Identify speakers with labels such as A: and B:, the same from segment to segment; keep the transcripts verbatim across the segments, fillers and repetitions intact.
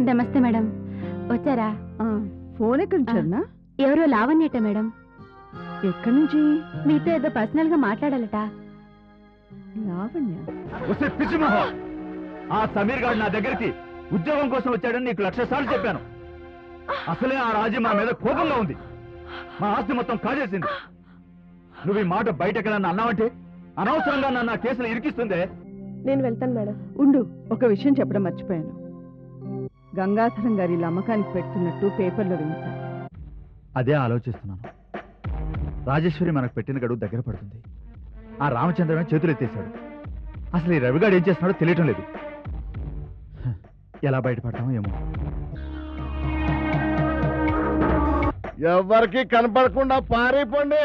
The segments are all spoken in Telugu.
A: నమస్తే మేడం. వచ్చారా?
B: ఫోన్ ఎక్కడి నుంచి?
A: ఎవరో లావణ్యట మేడం.
B: ఎక్కడి నుంచి?
A: మీతో ఏదో పర్సనల్ గా మాట్లాడాలట.
B: లావణ్య?
C: ఆ సమీర్ గారు నా దగ్గరికి ఉద్యోగం కోసం వచ్చాడని నీకు లక్ష సార్లు చెప్పాను. అసలే ఆ రాజీ మా మీద కోపంగా ఉంది. మా ఆస్తి మొత్తం కాజేసింది. నువ్వు ఈ మాట బయటకెళ్ళని అన్నావంటే అనవసరంగా నన్ను ఆ కేసులు ఇరికిస్తుందే.
B: నేను వెళ్తాను మేడం. ఉండు, ఒక విషయం చెప్పడం మర్చిపోయాను. గంగాధరం గారి అమ్మకానికి పెడుతున్నట్టు పేపర్లో వేయించాను.
C: అదే ఆలోచిస్తున్నాను. రాజేశ్వరి మనకు పెట్టిన గడువు దగ్గర పడుతుంది. ఆ రామచంద్రమే చేతులు ఎత్తేశాడు. అసలు ఈ రవిగాడు ఏం చేస్తున్నాడో తెలియటం లేదు. ఎలా బయటపడతామో ఏమో.
D: ఎవరికి కనపడకుండా పారిపోండి.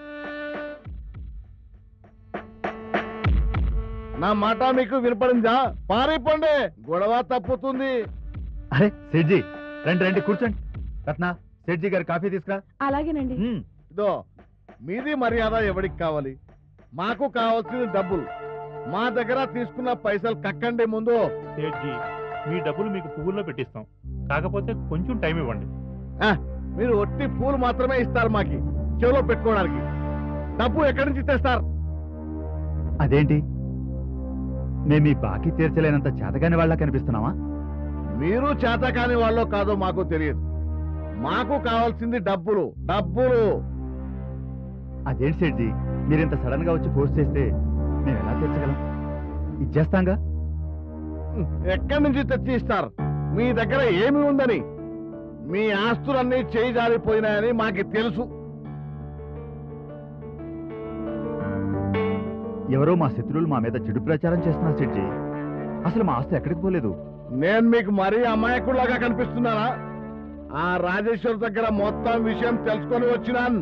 D: నా మాట మీకు వినపడిందా? పారిపోండి, గొడవ తప్పుతుంది.
C: అరే సేట్జీ, రండి రండి కూర్చోండి. రత్న, సేట్జీ గారు కాఫీ తీసుకురా.
B: అలాగేనండి.
D: ఇదో మీది మర్యాద ఎవరికి కావాలి? మాకు కావాల్సింది డబ్బులు. మా దగ్గర తీసుకున్న పైసలు కక్కండి ముందు.
E: సేట్జీ, మీ డబ్బులు మీకు పువ్వుల్లో పెట్టిస్తాం. కాకపోతే కొంచెం టైం ఇవ్వండి.
D: మీరు ఒట్టి పూలు మాత్రమే ఇస్తారు మాకి, చెవిలో పెట్టుకోవడానికి. డబ్బు ఎక్కడి నుంచి తెస్తారు?
C: అదేంటి, మేము ఈ బాకీ తీర్చలేనంత చేతగాని వాళ్ళ కనిపిస్తున్నావా?
D: మీరు చేతకాని వాళ్ళో కాదో మాకు తెలియదు. మాకు కావాల్సింది డబ్బులు, డబ్బులు.
C: అదేంటి సేట్జీ, మీరింత సడన్ గా వచ్చి ఫోర్స్ చేస్తే మేము ఎలా తీర్చగలం? ఇచ్చేస్తాంగా.
D: ఎక్కడి నుంచి తెచ్చి ఇస్తారు? మీ దగ్గర ఏమి ఉందని? మీ ఆస్తులన్నీ చేయి జారిపోయినాయని మాకు తెలుసు.
C: ఎవరో మా శత్రువులు మా మీద చెడు ప్రచారం చేస్తున్నారు సేట్జీ. అసలు మా ఆస్తి ఎక్కడికి పోలేదు.
D: నేను మీకు మరీ అమాయకుల్లాగా కనిపిస్తున్నానా? ఆ రాజేశ్వర్ దగ్గర మొత్తం విషయం తెలుసుకొని వచ్చినాను.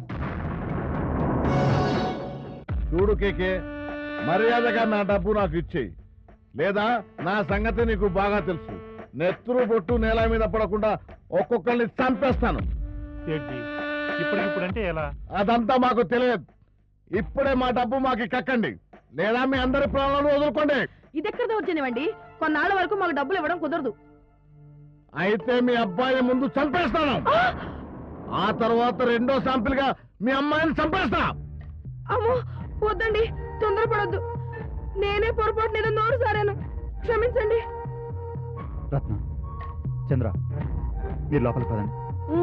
D: చూడు కేకే, మర్యాదగా నా డబ్బు నాకు ఇచ్చేయి, లేదా నా సంగతి నీకు బాగా తెలుసు. నెత్తురు బొట్టు నేల మీద పడకుండా ఒక్కొక్కరిని చంపేస్తాను.
E: ఇప్పుడంటే ఎలా?
D: అదంతా మాకు తెలియదు. ఇప్పుడే మా డబ్బు మాకు కక్కండి, లేదా మీ అందరి ప్రాణాలను వదులుకోండి.
B: ఇది ఎక్కడ దౌర్జన్యమండి? కొన్నాళ్ళ వరకు మాకు డబ్బులు ఇవ్వడం కుదరదు.
D: అయితే మీ అబ్బాయి ముందు చంపేస్తాను, ఆ తర్వాత రెండో శాంపిల్ గా మీ అమ్మాయిని చంపేస్తా.
B: అమ్మో వద్దండి, తొందరపడొద్దు. నేనే పొరపాటు నేను నోరు సారాను, క్షమించండి.
C: రత్న, చంద్ర, మీరు లోపలికి పదండి.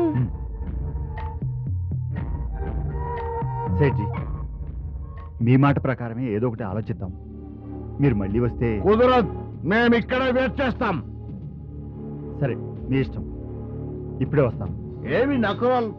C: సేట్జీ, మీ మాట ప్రకారమే ఏదో ఒకటి ఆలోచిద్దాం. మీరు మళ్ళీ వస్తే
D: కుదరదు, మేము ఇక్కడే వెయిట్ చేస్తాం.
C: సరే, మీ ఇష్టం. ఇప్పుడే వస్తాం.
D: ఏమి నకరాలు?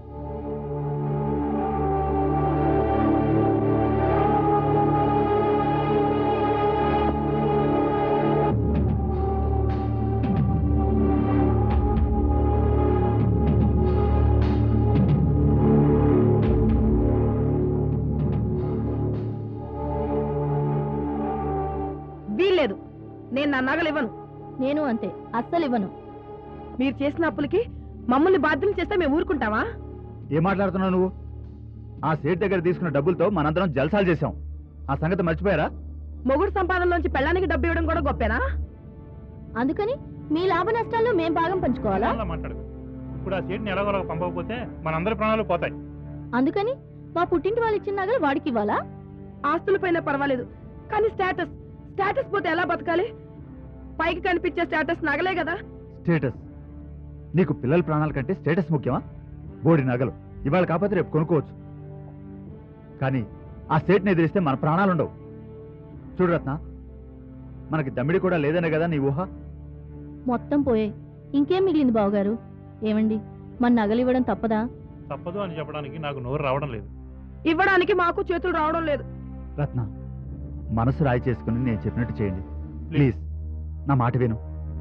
B: వీల్లేదు, నేను నా నగలు ఇవ్వను.
A: నేను అంతే, అస్సలు ఇవ్వను.
B: మీరు చేసిన అప్పులకి మమ్మల్ని బాధ్యులు చేస్తే మేము ఊరుకుంటావా?
C: ఏం మాట్లాడుతున్నావు నువ్వు? ఆ సేట్ దగ్గర తీసుకున్న డబ్బులతో మనందరం జల్సాలు చేశాం. ఆ సంగతి మర్చిపోయారా?
B: మొగుడు సంపాదనలోంచి పెళ్ళానికి డబ్బు ఇవ్వడం కూడా గొప్పేనా?
A: అందుకని మీ లాభ నష్టాల్లో మేం భాగం పంచుకోవాలా?
E: మాట్లాడు. ఇప్పుడు ఆ సేట్ని ఎలాగోలాగా పంపకపోతే మనందరి ప్రాణాలు పోతాయి.
A: అందుకని మా పుట్టింటి వాళ్ళు ఇచ్చిన నగలు వాడికి ఇవ్వాలా?
B: ఆస్తులపైన పర్వాలేదు, కానీ స్టేటస్ స్టేటస్ పోతే ఎలా బతకాలి? పైకి కనిపించే స్టేటస్ నగలే కదా.
C: స్టేటస్? నీకు పిల్లల ప్రాణాల కంటే స్టేటస్ ముఖ్యమా? బోడి నగలు ఇవాళ కాకపోతే రేపు కొనుక్కోవచ్చు, కానీ ఆ స్టేట్ని ఎదిరిస్తే మన ప్రాణాలు ఉండవు. చూడు రత్న, మనకి దమ్మిడి కూడా లేదనే కదా నీ ఊహ?
A: మొత్తం పోయే, ఇంకేం మిగిలింది బావగారు? ఏమండి, మన నగలు ఇవ్వడం తప్పదా?
E: తప్పదు అని చెప్పడానికి నాకు నోరు రావడం లేదు.
B: ఇవ్వడానికి మాకు చేతులు రావడం లేదు.
C: రత్న, మనసు రాయి చేసుకుని నేను చెప్పినట్టు చేయండి ప్లీజ్. నా మాట విను.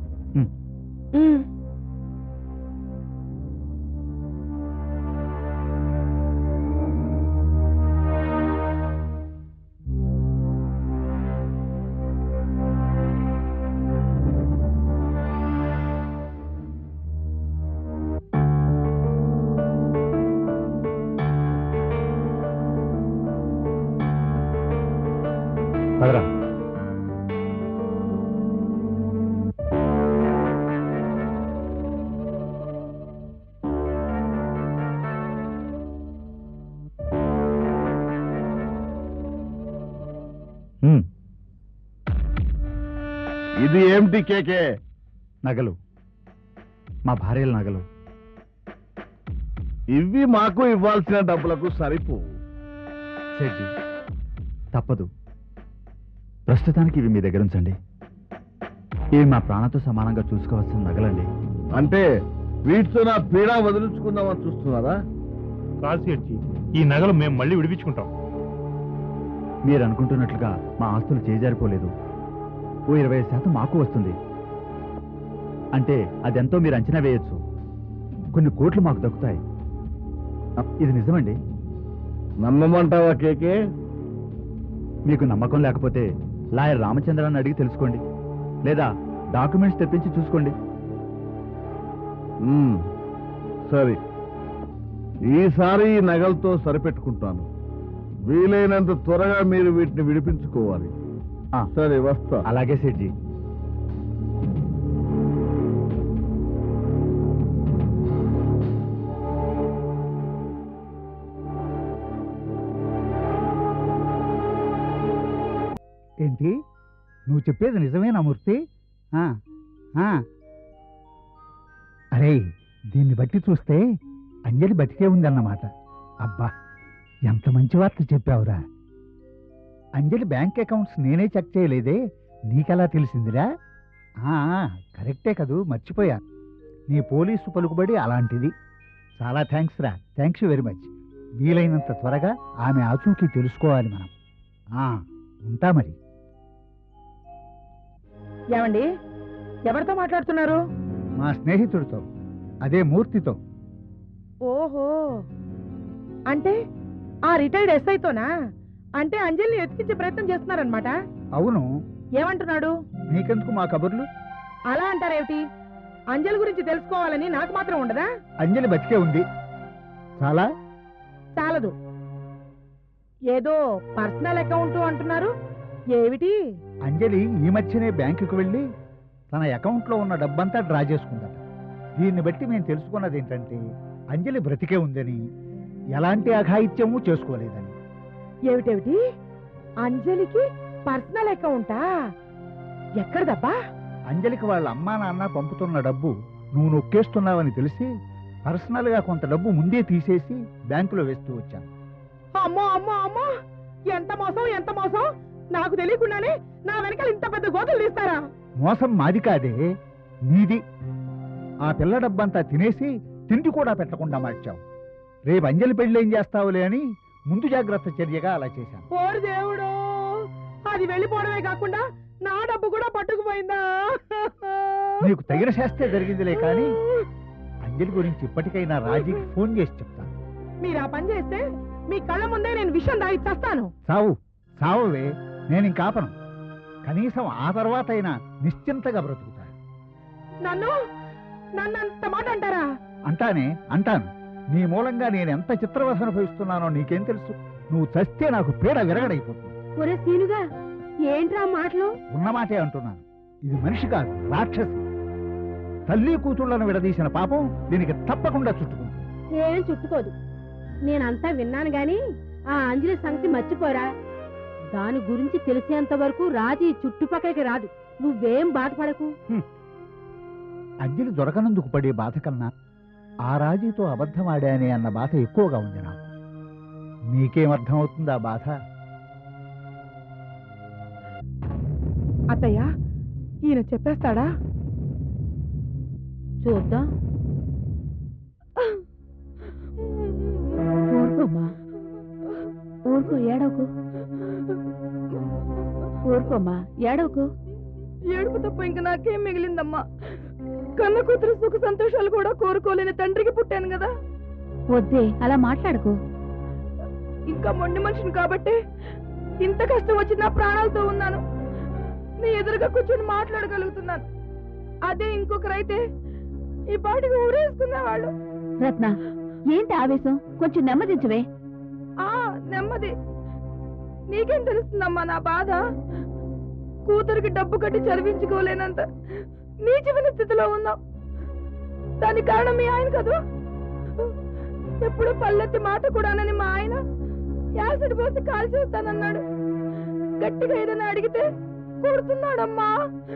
C: పదరా. హ్మ్,
D: ఇది ఏమిటి కేకే?
C: నగలు, మా భార్యల నగలు.
D: ఇవి మాకు ఇవ్వాల్సిన డబ్బులకు సరిపోవు.
C: సేట్జీ, తప్పదు. ప్రస్తుతానికి ఇవి మీ దగ్గర ఉంచండి. ఇవి మా ప్రాణంతో సమానంగా చూసుకోవాల్సిన నగలండి.
D: అంటే వీటితో నా పీడ వదిలించుకుందామని చూస్తున్నారా?
E: కాదు సేట్జీ, ఈ నగలు మేము మళ్ళీ విడిపించుకుంటాం.
C: మీరు అనుకుంటున్నట్లుగా మా ఆస్తులు చేజారిపోలేదు. ఓ ఇరవై శాతం మాకు వస్తుంది. అంటే అదెంతో మీరు అంచనా వేయొచ్చు. కొన్ని కోట్లు మాకు దక్కుతాయి. ఇది నిజమండి.
D: నమ్మమంటావా కేకే?
C: మీకు నమ్మకం లేకపోతే లాయర్ రామచంద్రాన్ని అడిగి తెలుసుకోండి, లేదా డాక్యుమెంట్స్ తెప్పించి చూసుకోండి.
D: మ్మ్. సరే, ఈసారి ఈ నగలతో సరిపెట్టుకుంటాను. వీలైనంత త్వరగా మీరు వీటిని విడిపించుకోవాలి.
C: ఆ,
D: సరే, వస్తా.
C: అలాగే సేట్జీ.
F: ఏంటి నువ్వు చెప్పేది నిజమేనా మూర్తి? ఆ, ఆ. అరే, దీన్ని బట్టి చూస్తే అంజలి బతికే ఉందన్నమాట. అబ్బా, ఎంత మంచి వార్త చెప్పావురా. అంజలి బ్యాంక్ అకౌంట్స్ నేనే చెక్ చేయలేదే, నీకెలా తెలిసిందిరా? ఆ, కరెక్టే కదూ, మర్చిపోయా. నీ పోలీసు పలుకుబడి అలాంటిది. చాలా థ్యాంక్స్ రా, థ్యాంక్స్ వెరీ మచ్. వీలైనంత త్వరగా ఆమె ఆచూకీ తెలుసుకోవాలి మనం. ఆ, ఉంటా మరి.
B: ఏమండి, ఎవరితో మాట్లాడుతున్నారు?
F: మా స్నేహితుడితో, అదే మూర్తితో.
B: ఓహో, అంటే ఆ రిటైర్డ్ ఎస్ఐతోనా? అంటే అంజలిని ఎత్తికించే ప్రయత్నం చేస్తున్నారనమాట.
F: అవును,
B: ఏమంటున్నాడు?
F: నీకెందుకు మా కబుర్లు?
B: అలా అంటారేమిటి? అంజలి గురించి తెలుసుకోవాలని నాకు మాత్రం ఉండదా?
F: అంజలి బతికే ఉంది. చాలా
B: చాలదు. ఏదో పర్సనల్ అకౌంట్ అంటున్నారు, ఏమిటి?
F: అంజలి ఈ మధ్యనే బ్యాంకుకు వెళ్ళి తన అకౌంట్లో ఉన్న డబ్బంతా డ్రా చేసుకుందట. దీన్ని బట్టి మేము తెలుసుకున్నది ఏంటంటే అంజలి బ్రతికే ఉందని, ఎలాంటి అఘాయిత్యము చేసుకోలేదని.
B: ఏమిటేమిటి? అంజలికి పర్సనల్ అకౌంటా? ఎక్కడదబ్బా?
F: అంజలికి వాళ్ళ అమ్మా నాన్న పంపుతున్న డబ్బు నువ్వు నొక్కేస్తున్నావని తెలిసి పర్సనల్ గా కొంత డబ్బు ముందే తీసేసి బ్యాంకులో వేస్తూ వచ్చాను.
B: అమ్మో అమ్మో అమ్మో, ఎంత మోసం, ఎంత మోసం! నాకు తెలియకుండానే నా వెనకాల ఇంత పెద్ద గోతులు తీస్తారా?
F: మోసం మాది కాదే, నీది. ఆ పిల్ల డబ్బంతా తినేసి తిండి కూడా పెట్టకుండా మార్చావు. రేపు అంజలి పెళ్లి ఏం చేస్తావులే అని ముందు జాగ్రత్త చర్యగా అలా చేశాను.
B: ఓరి దేవుడు, అది వెళ్ళిపోవడమే కాకుండా నా డబ్బు కూడా పట్టుకుపోయిందా?
F: నీకు తగిన శాస్త్రే జరిగిందిలే కానీ అంజలి గురించి ఇప్పటికైనా రాజీకి ఫోన్ చేసి చెప్తాను.
B: మీరు ఆ పని చేస్తే మీ కళ్ళ ముందే నేను విషయం దాగి చేస్తాను.
F: సావు సావువే, నేను ఇంకాపను. కనీసం ఆ తర్వాత అయినా నిశ్చింతగా బ్రతుకుతాను.
B: నన్ను నన్ను అంత మాట అంటారా?
F: అంటానే, అంటాను. నీ మూలంగా నేను ఎంత చిత్రవస అనుభవిస్తున్నానో నీకేం తెలుసు? నువ్వు చస్తే నాకు పీడ విరగడైపోతుంది.
A: ఒరే సీనుగా, ఏంట్రా మాటలు?
F: ఉన్నమాటే అంటున్నాను. ఇది మనిషి కాదు, రాక్షసి. తల్లి కూతుళ్లను విడదీసిన పాపం దీనికి తప్పకుండా చుట్టుకుంటుంది.
A: ఏం చుట్టుకోదు. నేనంతా విన్నాను గాని ఆ అంజలి సంగతి మర్చిపోరా. దాని గురించి తెలిసేంత వరకు రాజీ చుట్టుపక్కలకి రాదు. నువ్వేం బాధపడకు.
F: అంజలి దొరకనందుకు పడే బాధ కన్నా ఆ రాజీతో అబద్ధమాడానే అన్న బాధ ఎక్కువగా ఉంది నాకు. మీకేమర్థమవుతుంది ఆ బాధ?
B: అత్తయ్య, ఈయన చెప్పేస్తాడా?
A: చూద్దాం. ఊరుకోమ్మా, ఊరుకో, ఏడవకు. ఊరుకోమ్మా, ఏడవకు.
B: ఏడుపు తప్ప ఇంక నాకేం మిగిలిందమ్మా? కన్న కూతురు సుఖ సంతోషాలు కూడా కోరుకోలేని తండ్రికి పుట్టాను కదా.
A: వద్దే, అలా మాట్లాడకు.
B: ఇంకా మొండి మనిషిని కాబట్టి ఇంత కష్టం వచ్చి నా ప్రాణాలతో ఉన్నాను. నీ ఎదురుగా కూర్చొని మాట్లాడగలుగుతున్నాను. అదే ఇంకొకరైతే ఈ పాటికి ఊరేసుకునేవాళ్ళు.
A: రత్న, ఏంటి ఆవేశం? కొంచెం నెమ్మదించవే.
B: ఆ నెమ్మది నీకేం తెలుస్తుందమ్మా నా బాధ? కూతురికి డబ్బు కట్టి చదివించుకోలేనంత నీచమైన స్థితిలో ఉన్నాం. దానికి కారణం మీ ఆయన కదూ. ఎప్పుడు పల్లెత్తి మాట కూడానని మా ఆయన యాసిడ్ పోసి కాల్ చేస్తానన్నాడు. గట్టిగా ఏదైనా అడిగితే కొడుతున్నాడమ్మా.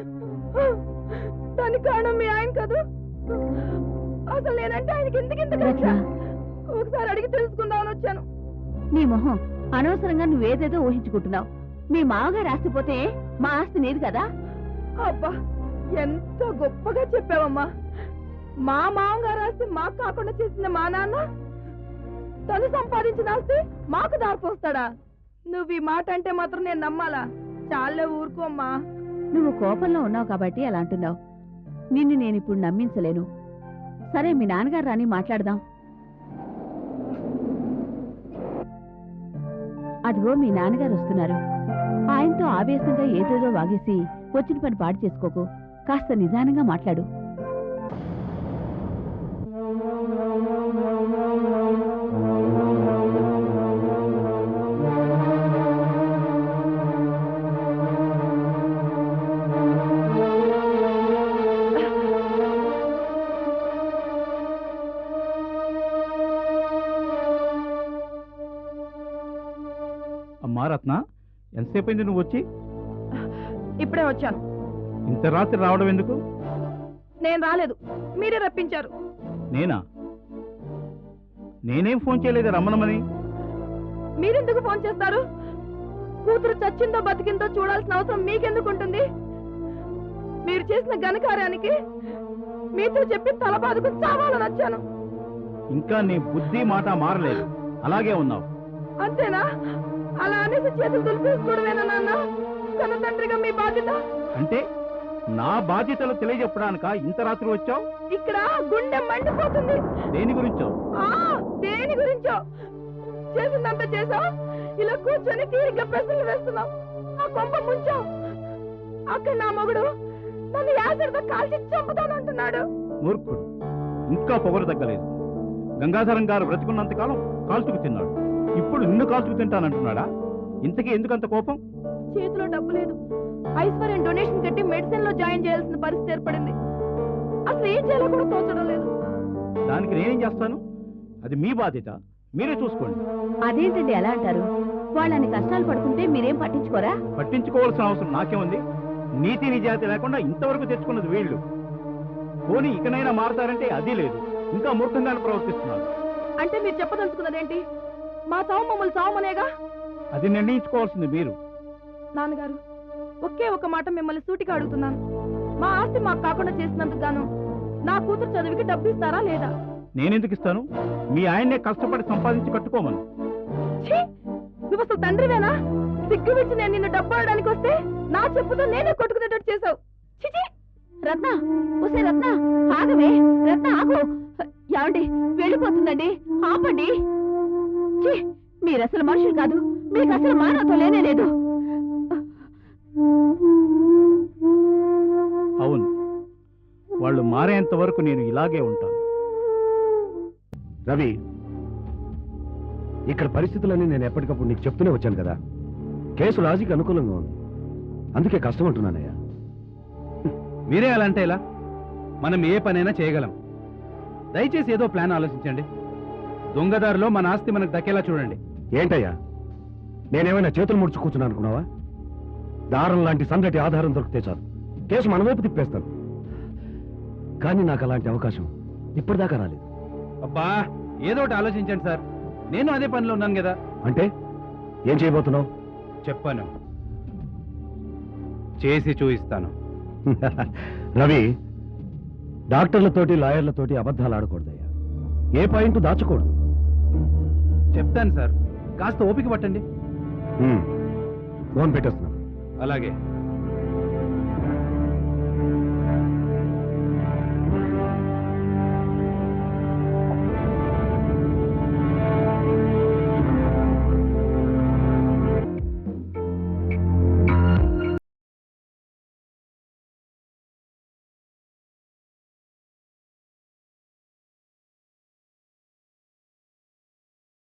B: దానికి కారణం మీ ఆయన కాదు. అసలు నేనంటే ఆయనకి ఎందుకు ఇంత కక్ష? ఒకసారి అడిగి తెలుసుకుందామని వచ్చాను.
A: నీ మొహం, అనవసరంగా నువ్వేదేదో ఊహించుకుంటున్నావు. మీ మామగారు ఆస్తిపోతే మా ఆస్తి నీది కదా.
B: అబ్బా, ఎంత గొప్పగా చెప్పావమ్మా. మా మామగారు ఆస్తి మాకు కాకుండా చేసిన మా నాన్న తను సంపాదించిన ఆస్తి మాకు దారిపోస్తాడా? నువ్వు ఈ మాట అంటే మాత్రం నేను నమ్మాలా? చాలే ఊరుకోమ్మా.
A: నువ్వు కోపంలో ఉన్నావు కాబట్టి అలా అంటున్నావు. నిన్ను నేను ఇప్పుడు నమ్మించలేను. సరే, మీ నాన్నగారు రాని మాట్లాడదాం. అదిగో మీ నాన్నగారు వస్తున్నారు. ఆయనతో ఆవేశంగా ఏదేదో వాగేసి వచ్చిన పని పాడు చేసుకోకు. కాస్త నిదానంగా మాట్లాడు.
G: అమ్మా రత్న, ఎంతసేపు అయింది నువ్వు వచ్చి?
B: ఇప్పుడే వచ్చాను.
G: ఇంత రాత్రి రావడం ఎందుకు?
B: నేను రాలేదు, మీరే రప్పించారు.
G: నేనా? నేనేం ఫోన్ చేయలేదు రమ్మనమని.
B: మీరెందుకు ఫోన్ చేస్తారు? కూతురు చచ్చిందో బతికిందో చూడాల్సిన అవసరం మీకెందుకు ఉంటుంది? మీరు చేసిన ఘనకార్యానికి మీతో చెప్పి తల బాదుకుని చావాలని వచ్చాను.
G: ఇంకా నీ బుద్ధి మాట మారలేదు, అలాగే ఉన్నావు.
B: అంతేనా? అలా అనేసి చేతులు దులిపేసుకోవడమేనా నాన్న? కన్న తండ్రిగా మీ బాధ్యత.
G: అంటే నా బాధ్యతలు తెలియజెప్పడానిక ఇంత రాత్రి వచ్చావు?
B: ఇక్కడ గుండె మండిపోతుంది.
G: దేని గురించో?
B: ఆ దేని గురించో? చేసిందంతా చేసావు, ఇలా కూర్చొని తీరిగ్గా ప్రశ్నలు వేస్తున్నావు. నా కొంప ముంచావు. అక్కడ నా మొగుడు నన్ను యాసరితో కాల్చి చంపుతానంటున్నాడు.
G: మూర్ఖుడు, ఇంకా పొగరు తగ్గలేదు. గంగాధరం గారు బ్రతికున్నంతకాలం కాల్చుకు తిన్నాడు. ఇప్పుడు నిన్ను కాల్చుకు తింటానంటున్నాడా? ఇంతకీ ఎందుకంత కోపం?
B: చేతిలో డబ్బు లేదు. ఐశ్వర్యం డొనేషన్ కట్టి మెడిసిన్ లో జాయిన్ చేయాల్సిన పరిస్థితి ఏర్పడింది. అసలు ఏం చేయాలో కూడా తోచడం లేదు.
G: దానికి నేనేం చేస్తాను? అది మీ బాధ్యత, మీరే చూసుకోండి.
A: అదేంటండి ఎలా అంటారు? వాళ్ళని కష్టాలు పడుతుంటే మీరేం పట్టించుకోరా?
G: పట్టించుకోవాల్సిన అవసరం నాకేముంది? నీతి నిజాయితీ లేకుండా ఇంతవరకు తెచ్చుకున్నది వీళ్ళు. పోనీ ఇకనైనా మారతారంటే అది లేదు, ఇంకా మూర్ఖంగానే ప్రవర్తిస్తున్నారు.
B: అంటే మీరు చెప్పదలుచుకున్నదేంటి? మా చావు మమ్మల్ని చావమనేగా?
G: అది నిర్ణయించుకోవాల్సింది మీరు.
B: నాన్నగారు, ఒకే ఒక మాట మిమ్మల్ని సూటిగా అడుగుతున్నాను. మా ఆస్తి మాకు కాకుండా చేసినందుకు గాను నా కూతురు చదువుకి డబ్బు ఇస్తారా లేదా?
G: నేనెందుకు ఇస్తాను? మీ ఆయన్నే కష్టపడి సంపాదించి కట్టుకోమను.
B: ఛీ! నువ్వు అసలు తండ్రివేనా? సిగ్గు విచ్చి నేను నిన్ను డబ్బు ఆడడానికి వస్తే నా చెప్పుతో నేనే కొట్టుకునేటట్టు చేసావు. చిచి!
A: రత్న, ఒసే రత్న, ఆగవే. రత్న ఆగు. ఏమండి, వెళ్ళిపోతుందండి, ఆపండి. ఛీ! మీరు అసలు మనుషులు కాదు. మీకు అసలు మానవత్వం లేనే లేదు.
G: అవును, వాళ్ళు మారేంత వరకు నేను ఇలాగే ఉంటాను.
H: రవి, ఇక్కడ పరిస్థితులన్నీ నేను ఎప్పటికప్పుడు నీకు చెప్తూనే వచ్చాను కదా. కేసు లాజిక్ అనుకూలంగా ఉంది, అందుకే కష్టం అంటున్నానయ్యా.
I: మీరే అలా అంటే ఎలా? మనం ఏ పనైనా చేయగలం. దయచేసి ఏదో ప్లాన్ ఆలోచించండి. దొంగదారిలో మన ఆస్తి మనకు దక్కేలా చూడండి.
H: ఏంటయ్యా, నేనేమైనా చేతులు ముడుచు కూర్చున్నా అనుకున్నావా? దారం లాంటి సందటి ఆధారం దొరికితే చాలు, కేసు మన వైపు తిప్పేస్తాను. కానీ నాకు అలాంటి అవకాశం ఇప్పటిదాకా రాలేదు.
I: అబ్బా, ఏదో ఒకటి ఆలోచించండి సార్. నేను అదే పనిలో ఉన్నాను కదా.
H: అంటే ఏం చేయబోతున్నావు?
I: చెప్పాను, చేసి చూపిస్తాను.
H: రవి, డాక్టర్లతోటి లాయర్లతోటి అబద్ధాలు ఆడకూడదయ్యా. ఏ పాయింట్ దాచకూడదు.
I: చెప్తాను సార్, కాస్త ఓపిక పట్టండి.
H: ఫోన్ పెట్టేస్తున్నాను.
I: అలాగే.